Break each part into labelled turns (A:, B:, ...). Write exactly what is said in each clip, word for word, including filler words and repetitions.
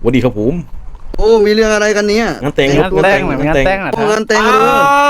A: วัสดีครับผม
B: โอ้มีเรื่องอะไรกันเนี่ย
A: งานแต่ง
C: งานแต่งเหมือนงานแต่งนะ
B: โอ้งานแต่งเลย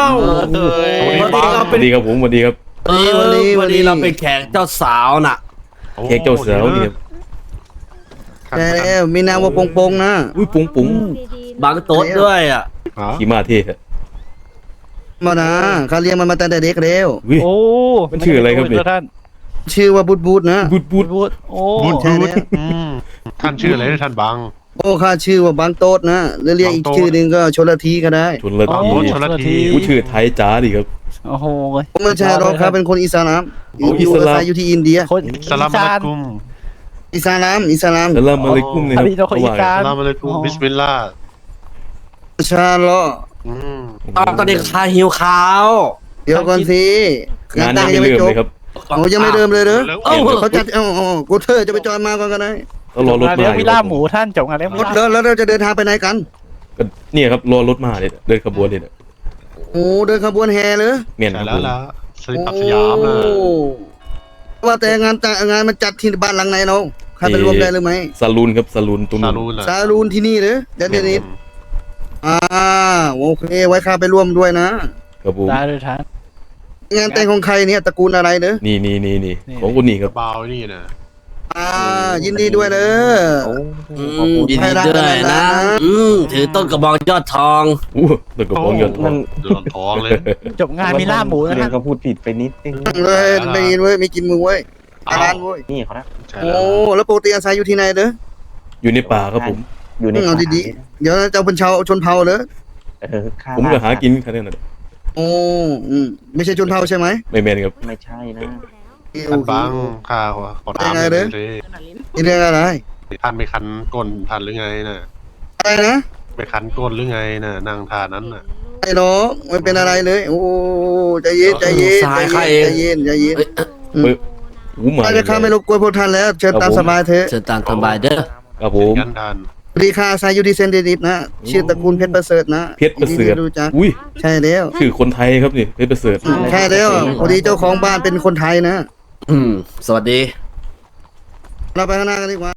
A: สวัสดีครับผมสวัสดีครับ
D: เออวันนี้วันนี้เราเป็นแขกเจ้าสาวน่ะ
A: แขกเจ้าสาวนี่ครับ
B: แต่แล้วมีนามว่าปงปงนะ
A: อุ้ยปุ๋งปุ๋ง
D: บางโต๊ดด้วยอ่ะ
A: ขี่มาเท่ฮะ
B: มานะเขาเลี้ยงมันมาตั้งแต่เด็กแล้ว
A: อุ้ย
C: โอ้
A: มันชื่ออะไรครับเนี่ย
C: ท่าน
B: ชื่อว่าบุดบูดนะ
A: บูดบู
C: บู
A: ด
C: ดบูดโอ้
E: บูด
B: ใช่
E: บูด
B: แล้ว
E: อืมท่านชื่ออะไรนะท่านบัง
B: โอ้ข้าชื่อว่าบางโต๊ดนะหรือเรียกอีก
E: บางโต๊ด
B: ชื่อหนึ่งก็ชลทีก็ได้
A: ชนละ
C: โอ้
A: ที
E: ชลที
A: อุ้ยชื่อไทยจ๋าดิครับ
C: โอ้โห
B: ผมไม่ใช่หรอกครับเป็นคนอิสลามอ
A: โอ้
B: ยู่อยู่
A: อิสลาม
B: อาศัยอยู่ที่อินเดีย
C: คน
E: สลามอะลัยกุม
B: อิสลามอิสลาม
A: สลามอะลัยกุมเลยครับ
C: อันนี้เราคนอีสาน
E: สลามอะลัยกุมบิสมิลลาห์
B: ชาลอ
E: อืม
D: ตอนตอนนี้คาหิวข้าว
B: เดี๋ยวก่อนสิ
A: งานยังไม่เริ่มเลยครับ
B: โอ้ยังไม่เริ่มเลยเหรอ
E: แล้ว
D: เอ้า
B: เขาจัดเอ้าเอ้ากูเธอจะไปจอยมาก่อนก็ได้
A: ต้องรอรถ
C: งาน
A: มา
C: เลี้ยงวิลล่า
A: ครับ
C: หมูท่านจบงานเลี้ยงวิ
B: ร
C: ล
B: ถ
C: ล่า
B: แล้วแล้วเราจะเดินทางไปไหนกัน
A: ก็เนี่ยครับรอรถมาเนี่ยเดินขบวนเนี่ย
B: โอ้เดินขบวนแห่เลย
A: เมียนค
E: ใช่
A: รับ
E: แล้
A: ผ
E: ว
A: ม
E: ล่ะสลิปปักสยามนะ
B: โอ้ว่าแต่งานแต่งานมันจัดที่บ้านหลังไหนเนาะใครไปรวมได้หรือไม่
A: ซาลูนครับซาลูนตรง
E: ซา
A: นู้น
E: ลูนน่ะ
B: ซาลูนที่นี่เลยเดี๋ยวเดี๋ยวนี้อ่าโอเคไว้ข้าไปร่วมด้วยนะครับ
A: ผม
C: ได้เลยท่าน
B: งานแต่งของใครเนี่ยตระกูลอะไรเนอะ
A: นี่นี่นี่นี่
C: นี่
A: ของคนนี้ครับ
E: เบานี่นะ
B: อ่ายินดีด้วยเนอะ
D: อืมยินดีด้วยนะอืมถือต้นกระบองยอดทอง
A: อู้ตัวกระป๋องเงินทอง
E: เดือดท้องเลย
C: จบงานมีล่าหมูนะ
F: เรีย
C: ท่าน น
F: ก็พูดผิดไปนิดนึง
B: เลยไม่กินเว้ยไม่กินมึงเว้ยอาร้านเว้ย
F: นี่เขานะ
E: ใช่
B: โอ้
E: แล้ว
B: แล้วปกติอาศัยอยู่ที่ไหนเนอะ
A: อยู่ในป่าครับผม
F: อยู่ใน
B: เอาดีๆเดี๋ยวเจ้าเป็นชาวชนเผ่าเนอะ
F: ๆเออข้า
A: ผมก็หากินแค่นั้นนะ
B: โอ้อืมไม่ใช่ชนเผ่าใช่ไหม
A: ไม่แม่นครับ
F: ไม่ใช่นะ
E: ท่านบังข้าขอถามหน่อยเลย
B: นี่เรื่องอะไร
E: ท่านไปคันก้นท่านหรือไงน่ะ
B: อะไรนะ
E: ไปคันก้นหรือไงน่ะนั่งท่านั้นน่ะ
B: ไอ้น้องไม่เป็นอะไรเลย โอ้ใจเย็นใจเย็นใจเย็นใจเย็นใจเย็น
D: เอ้ย
A: เปิดหูหมา
B: ถ้าจะข้าไม่รบกวนพวกท่านแล้วเชิญตามสบายเถอะ
D: เชิญตามสบายเด้อ
A: ครับผม
E: กันท่าน
B: สวัสดีค่ะอาศัยอยู่ที่เซนเดนิสนะชื่อตระกูลเพชรประเสริฐนะ
A: เพชรประเสริฐ
B: ยินดีที่รู้จัก
A: อุ้ย
B: ใช่แล้ว
A: ชื่อคนไทยครับนี่เพชรประเสริฐ
B: ใช่แล้วพอดีเจ้าของบ้านเป็นคนไทยนะ
D: อืม สวัสดี
B: เราไปข้างหน้ากันดีกว่า